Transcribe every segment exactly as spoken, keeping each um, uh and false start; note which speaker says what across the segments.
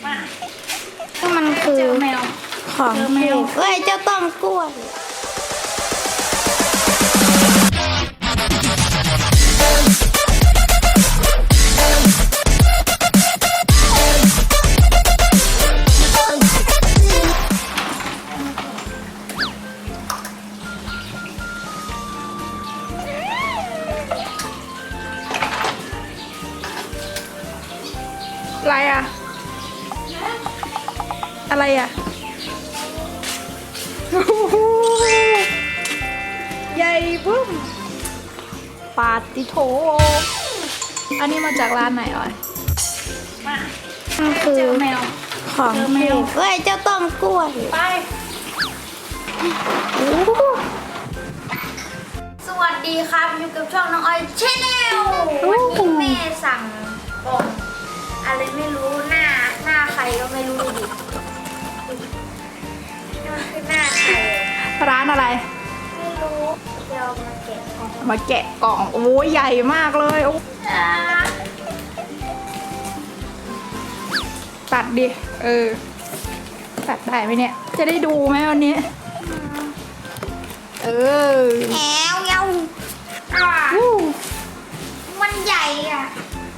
Speaker 1: มันคือ
Speaker 2: แมว
Speaker 1: ของแมวเอ้ยเจ้าต้มกล้วย
Speaker 2: อะไรอ่ะอะไรอ่ะใหญ่บึ้มปาติโถอันนี้มาจากร้านไหนอ่ะมา
Speaker 1: มันคือ
Speaker 2: แมว
Speaker 1: ของแมวเอ้ยเจ้าต้มกล้วย
Speaker 2: ไป
Speaker 3: สวัสดีครับอยู่กับช่องน้องออยชแนลวันนี้แม่สั่งกล่องอะไรไม่รู้หน้าหน้าใครก็ไม่รู้ดินี่มันคือหน้าใคร
Speaker 2: ร้านอะไร
Speaker 3: ไม่รู้เดี๋ยวมาแกะกล่อง
Speaker 2: มาแกะกล่องโอ้ยใหญ่มากเลยโอ้
Speaker 3: อ่า
Speaker 2: ตัดดิเออตัดได้ไหมเนี่ยจะได้ดูไหมวันนี้เออ
Speaker 3: แอวเงาอ่า
Speaker 2: วู้
Speaker 3: มันใหญ่อ่ะ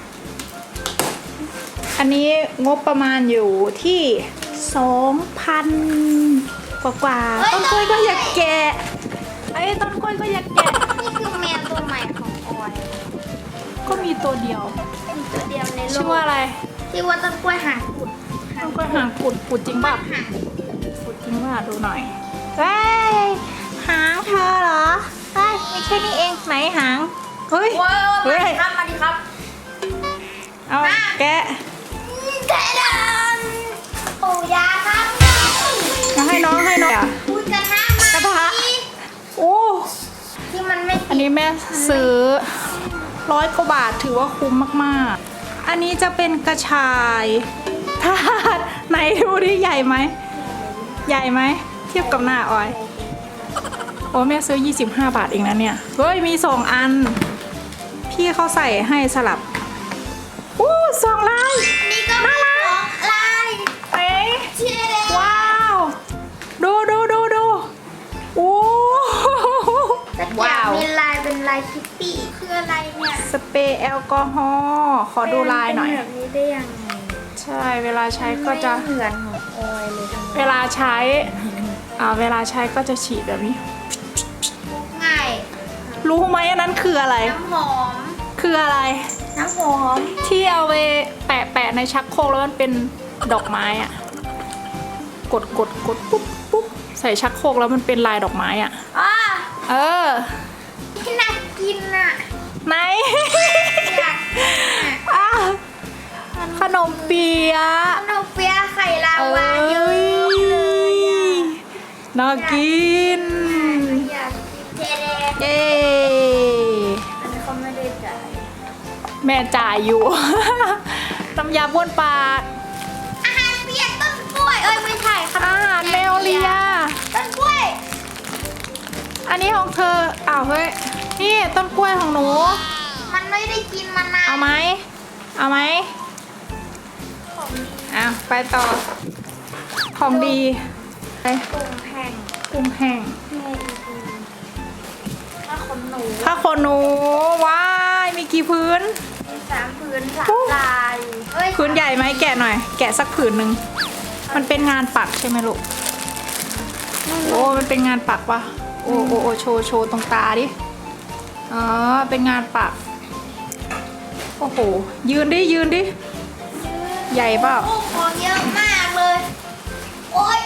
Speaker 2: อันนี้งบประมาณอยู่ที่สองพันกว่ากว่าๆต้นกล้วยก็อยากแกะไอ้ยต้นกล้วยก็อยากแกะ
Speaker 3: นี่คือแมวตัวใหม่ของออย
Speaker 2: ก็มีตัวเดียว
Speaker 3: มีตัวเดียวในโล
Speaker 2: ชื่อก ว่าอะไร
Speaker 3: ชื่อว่าต้นกล้วยหางกุด
Speaker 2: ต้นกล้วยหางกุดกุดจริงป่ะ
Speaker 3: หาง
Speaker 2: กุดจริงป่ะดูหน่อยเฮ้ยหางเธอเหรอเฮ้ยไม่ใช่นี่เองไหนหางเฮ้ย
Speaker 3: โอ้ย
Speaker 2: เฮ้
Speaker 3: มาย ดิครับมาดิครับ
Speaker 2: เอาแกะ
Speaker 3: แกะดันปูยาครับ
Speaker 2: เอาให้น้องให้น้องอ่ะ
Speaker 3: พูดกระทะมาก
Speaker 2: ระทะ โอ้
Speaker 3: ที่มันไม่
Speaker 2: อันนี้แม่ซื้อร้อยกว่าบาทถือว่าคุ้มมากๆ อันนี้จะเป็นกระชายทาดไหนดูดิใหญ่ไหม ใหญ่ไหม เทียบกับหน้าออย โอ้แม่ซื้อยี่สิบห้าบาทเองนะเนี่ย เฮ้ยมีสองอัน พี่เขาใส่ให้สลับโอ้สองลาย
Speaker 3: นี่ก็มีสองลาย
Speaker 2: เอ๊ะ
Speaker 3: เชียร์เลย
Speaker 2: ว้าว ดูดูดูดูโอ้
Speaker 3: แต่อยากมีลายเป็นลายคิตตี้คืออะไรเนี่ย
Speaker 2: สเปรย์แอลกอฮอล์ขอดูลายหน่อย
Speaker 3: เป็แบบนี้ได้ยังไง
Speaker 2: ใช่เวลาใช้ก็จะ
Speaker 3: ไม่เหมือนของออยเลยทำไม
Speaker 2: เวลาใช้อ่าเวลาใช้ก็จะฉีดแบบนี้
Speaker 3: ง่าย
Speaker 2: รู้ไหมอันนั้นคืออะไร
Speaker 3: น้ำหอม
Speaker 2: คืออะไร
Speaker 3: น้ำหอม
Speaker 2: ที่เอาไปแปะแปะในชักโครกแล้วมันเป็นดอกไม้อะกดกดกดปุ๊บปุ๊บใส่ชักโครกแล้วมันเป็นลายดอกไม้อะ
Speaker 3: อ่า
Speaker 2: เออ
Speaker 3: ที่น่ากินอ่ะ
Speaker 2: ไหน
Speaker 3: อยากกินอ่ะ
Speaker 2: อ่ะขนมเปี๊ยะ
Speaker 3: ขนมเปี๊ยะไข่ลา
Speaker 2: เอ้
Speaker 3: วาเยอะ
Speaker 2: ย
Speaker 3: เลยอ่ะ
Speaker 2: น่ากิน
Speaker 3: อยากกินเจเด
Speaker 2: เย้
Speaker 3: อันนี้เขาไม่ได้จ่าย
Speaker 2: แม่จ่ายอยู่ น้ำยาบ้วนปาก
Speaker 3: อาหารเปียกต้นกล้วย เอ้ยไม่ใช่ครับ
Speaker 2: อาหารแมวเลีย
Speaker 3: ต้นกล้วย
Speaker 2: อันนี้ของเธอ อ้าวเฮ้ย นี่ต้นกล้วยของหนู
Speaker 3: มันไม่ได้กินมานาน
Speaker 2: เอาไหม เอาไหม
Speaker 3: ของ
Speaker 2: อ้าวไปต่อ ของดีไป
Speaker 3: ตุ่มแห้ง
Speaker 2: กุ้งแห้ง
Speaker 3: แม่อีกถ้าขนหนู
Speaker 2: ผ้าขนหนู ว้าย มีกี่พื้น
Speaker 3: มีสามผืนสามลายเอ้ย
Speaker 2: พื้นใหญ่ไหมแกะหน่อย แกะสักผืนหนึ่ง มันเป็นงานปักใช่ไหมลูก โอ้ มันเป็นงานปักปะโอ้โอ้โอ้โชว์โชว์ตรงตาดิ อ๋อ เป็นงานปัก โอ้โห ยืนดิ ยืนดิ ใหญ่เปล่า
Speaker 3: โอ้ของเยอะมากเลย โอ๊ย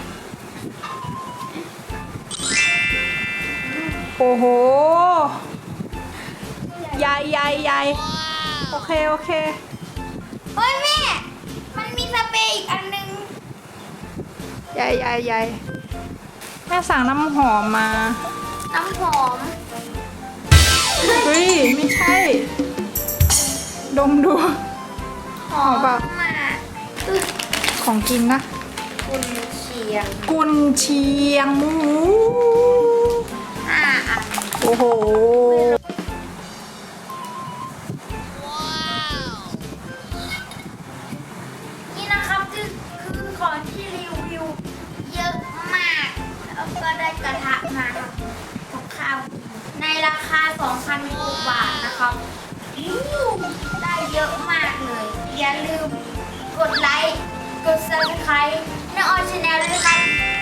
Speaker 2: โอ้โห ใหญ่ใหญ่ใหญ่โอเค โอเค
Speaker 3: เฮ้ยแม่ มันมีสเปรย์อีกอันนึง
Speaker 2: ใหญ่ใหญ่ใหญ่แม่สั่งน้ำหอมมา
Speaker 3: น้ำหอม
Speaker 2: เฮ้ย ไม่ใช่ ดมดู
Speaker 3: หอม
Speaker 2: เปล่า
Speaker 3: มาตึ๊ก
Speaker 2: ของกินนะ
Speaker 3: กุนเชียง
Speaker 2: กุนเชียงหมู
Speaker 3: ห้าอัน
Speaker 2: โอ้โห
Speaker 3: นี่นะครับคือแล้วก็ได้กระทะมาครับกับข้าวในราคา สองพัน กว่าบาทนะครับอู้ได้เยอะมากเลย อย่าลืมกดไลค์ กด ซับสไครบ์ ในออยชาแนลด้วยนะครับ